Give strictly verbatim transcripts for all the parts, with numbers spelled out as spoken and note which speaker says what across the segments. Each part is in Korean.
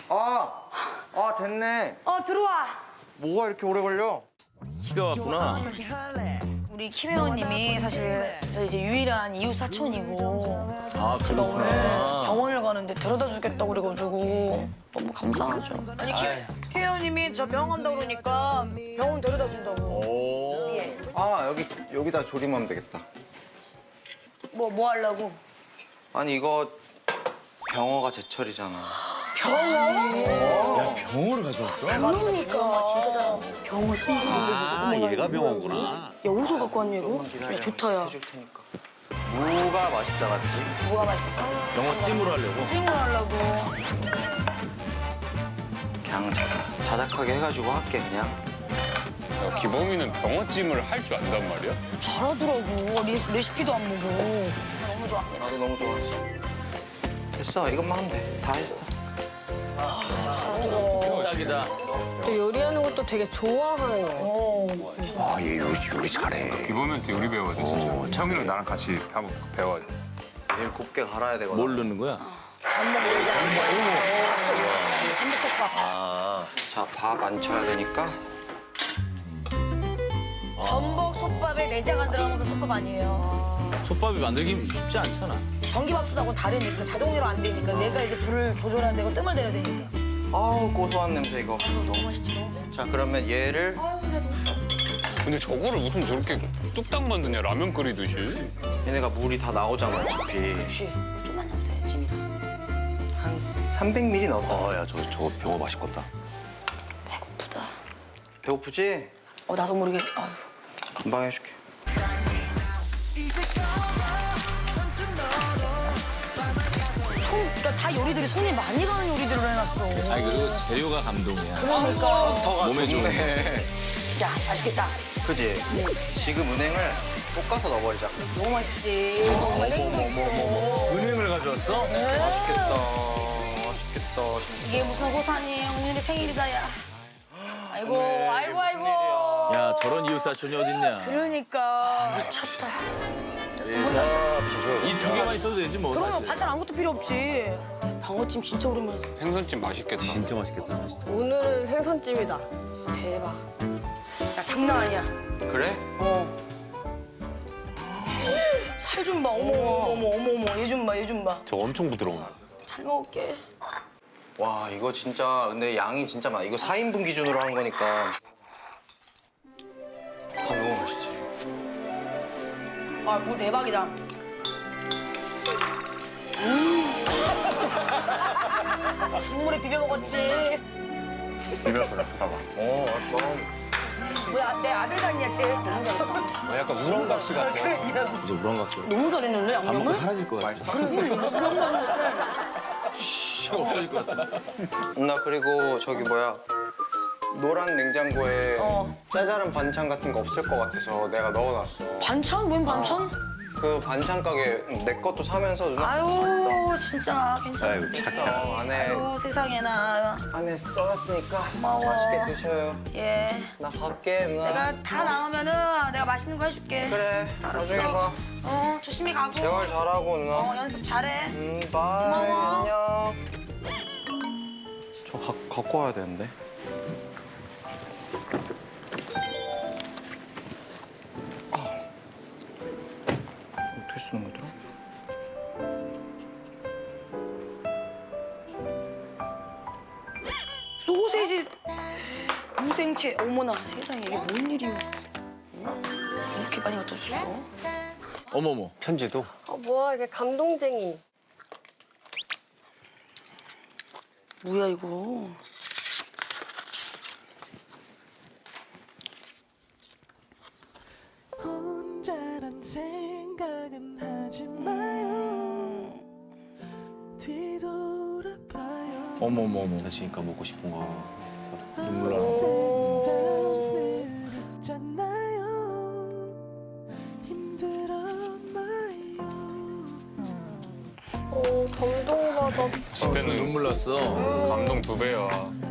Speaker 1: 아, 아 됐네.
Speaker 2: 어 들어와.
Speaker 1: 뭐가 이렇게 오래 걸려?
Speaker 3: 키가 왔구나.
Speaker 2: 우리 김 회원님이 사실 저 이제 유일한 이웃 사촌이고
Speaker 3: 아,
Speaker 2: 제가 오늘
Speaker 3: 그렇구나.
Speaker 2: 병원을 가는데 데려다 주겠다고 그래가지고 너무 감사하죠. 아니 김, 김 회원님이 저 병원 간다고 그러니까 병원 데려다 준다고.
Speaker 3: 오.
Speaker 1: 아 여기 여기다 조림하면 되겠다.
Speaker 2: 뭐 뭐 하려고?
Speaker 1: 아니 이거 병어가 제철이잖아.
Speaker 2: 병원?
Speaker 3: 야, 병어를 가져왔어?
Speaker 2: 병원이니까 진짜 잘하고. 병원 순서.
Speaker 3: 아, 얘가 병어구나.
Speaker 2: 야 어디서 갖고 왔냐 이거?
Speaker 1: 기다려.
Speaker 2: 야 좋다 야.
Speaker 1: 해줄 테니까. 무가 맛있지 않았지?
Speaker 2: 뭐가 맛있어?
Speaker 3: 병어 찜으로 하려고.
Speaker 2: 찜을 하려고.
Speaker 1: 그냥 자, 자작하게 해가지고 할게 그냥.
Speaker 4: 야, 기범이는 병어찜을 할 줄 안단 말이야?
Speaker 2: 잘하더라고. 리, 레시피도 안 보고. 너무 좋아합니다.
Speaker 1: 나도 너무 좋아하지. 됐어 이것만 하면 돼. 다 했어.
Speaker 2: 잘하더라.
Speaker 3: 딱이다.
Speaker 5: 또 요리하는 것도 되게 좋아하는 거.
Speaker 2: 어.
Speaker 6: 아, 얘 요리, 요리 잘해.
Speaker 4: 기범이한테 요리 배워야 돼, 진짜. 형이랑 나랑 같이 한번 배워야 돼.
Speaker 1: 내일 곱게 갈아야 되거든.
Speaker 3: 뭘 넣는 거야?
Speaker 2: 전복 내장. 한국국밥.
Speaker 3: 아,
Speaker 1: 자, 밥 안 쳐야 되니까.
Speaker 2: 전복 솥밥에 내장 안 들어가면 그 솥밥 아니에요.
Speaker 3: 솥밥이 만들기 쉽지 않잖아.
Speaker 2: 전기밥솥하고는 다르니까 자동으로 안 되니까 내가 이제 불을 조절해야 되고 뜸을 내려야 되니까.
Speaker 1: 아우 고소한 냄새 이거.
Speaker 2: 너무 맛있지. 너무 맛있지.
Speaker 1: 자 그러면 얘를
Speaker 2: 아유 나 너무 좋아.
Speaker 4: 근데 저거를 무슨 저렇게 뚝딱 만드냐, 라면 끓이듯이.
Speaker 1: 얘네가 물이 다 나오잖아 어차피.
Speaker 2: 그렇지. 물 좀만 넣어도 돼. 찜이다.
Speaker 1: 한 삼백 밀리리터 넣어.
Speaker 6: 아, 야, 저, 저 병어 맛있겠다.
Speaker 2: 배고프다.
Speaker 1: 배고프지?
Speaker 2: 어 나도 모르게. 아유.
Speaker 1: 금방 해줄게.
Speaker 2: 손, 그러니까 다 요리들이 손이 많이 가는 요리들을 해놨어.
Speaker 3: 아니, 그리고 재료가 감동이야.
Speaker 2: 그러니까.
Speaker 1: 터가
Speaker 3: 몸에
Speaker 1: 좋네.
Speaker 2: 야 맛있겠다.
Speaker 1: 그지? 지금 은행을 볶아서 넣어버리자.
Speaker 2: 너무 맛있지. 은행도 있어.
Speaker 3: 은행을 가져왔어?
Speaker 1: 맛있겠다. 맛있겠다 진짜.
Speaker 2: 이게 무슨 호산이에요. 오늘이 생일이다 야. 아이고 아이고 아이고.
Speaker 3: 야, 저런 이웃 사촌이 어딨냐.
Speaker 2: 그러니까 미쳤다.
Speaker 3: 이 두 개만 있어도 되지 뭐.
Speaker 2: 그러면
Speaker 3: 사실.
Speaker 2: 반찬 아무것도 필요 없지. 방어찜 진짜 오랜만에.
Speaker 4: 생선찜 맛있겠다.
Speaker 3: 진짜 맛있겠다.
Speaker 5: 오늘은 생선찜이다.
Speaker 2: 대박. 야 장난 아니야.
Speaker 1: 그래?
Speaker 2: 어. 살 좀 봐. 어머 어머 어머 어머 얘 좀 봐. 얘 좀 봐.
Speaker 6: 저 엄청 부드러운.
Speaker 2: 잘 먹을게.
Speaker 1: 와 이거 진짜 근데 양이 진짜 많아. 이거 사 인분 기준으로 한 거니까. 다 너무 맛있지.
Speaker 2: 아뭐 대박이다. 음. 국물에 비벼 먹었지.
Speaker 4: 비벼서 잡숴봐.
Speaker 1: 어 알았어.
Speaker 2: 뭐야 내 아들 같냐 쟤.
Speaker 4: 약간 우렁각시 같아.
Speaker 2: 그러니까
Speaker 3: 이제 우렁각시로.
Speaker 2: 너무 잘했는데
Speaker 3: 밥 먹고
Speaker 2: 양념을?
Speaker 3: 사라질 것 같아. 씨, 없어질 것 같아.
Speaker 1: 나 그리고 저기 뭐야 노란 냉장고에
Speaker 2: 어.
Speaker 1: 짜잘한 반찬 같은 거 없을 것 같아서 내가 넣어놨어.
Speaker 2: 반찬? 웬 반찬?
Speaker 1: 그 반찬 가게 내 것도 사면서 누나 거 샀어.
Speaker 2: 아유 진짜 괜찮아.
Speaker 6: 아이고, 착해.
Speaker 1: 어, 안에
Speaker 2: 아유 세상에나.
Speaker 1: 안에 써놨으니까
Speaker 2: 고마워.
Speaker 1: 맛있게 드셔요.
Speaker 2: 예.
Speaker 1: 나 갈게 누나.
Speaker 2: 내가 다 나오면은 내가 맛있는 거 해줄게.
Speaker 1: 그래 나중에 봐.
Speaker 2: 어 조심히 가고.
Speaker 1: 재활 잘하고 누나.
Speaker 2: 어 연습 잘해.
Speaker 1: 음 바이
Speaker 2: 고마워.
Speaker 1: 안녕. 저 가, 갖고 와야 되는데. 아. 어떻게 쓰는 거더라?
Speaker 2: 소세지 무생채. 어머나 세상에 이게 뭔 일이야. 어? 이렇게 많이 갖다 줬어.
Speaker 3: 어머머.
Speaker 4: 편지도?
Speaker 5: 아, 뭐야, 이게 감동쟁이.
Speaker 2: 뭐야 이거.
Speaker 7: 혼자란 생각은 하지 마요. 뒤돌아봐요.
Speaker 3: 어머머머.
Speaker 6: 다시니까 먹고 싶은 거.
Speaker 3: 눈물 나.
Speaker 7: 힘들었잖아요. 힘들었나요?
Speaker 5: 어, 감동받아.
Speaker 4: 그때는
Speaker 3: 눈물 났어.
Speaker 4: 감동 두 배야.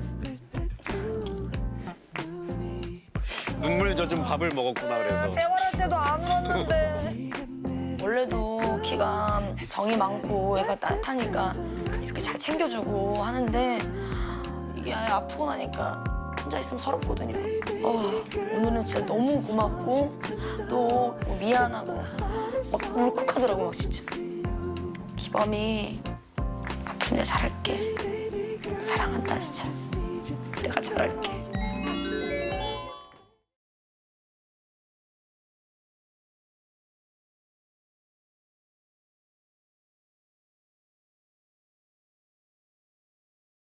Speaker 6: 눈물 젖은 밥을 먹었구나, 그래서.
Speaker 2: 재활할 때도 안 울었는데. 원래도 키가 정이 많고 애가 따뜻하니까 이렇게 잘 챙겨주고 하는데 이게 아프고 나니까 혼자 있으면 서럽거든요. 어, 오늘은 진짜 너무 고맙고 또 미안하고 막 울컥하더라고 막 진짜. 기범이 앞으로 내가 잘할게. 사랑한다 진짜. 내가 잘할게.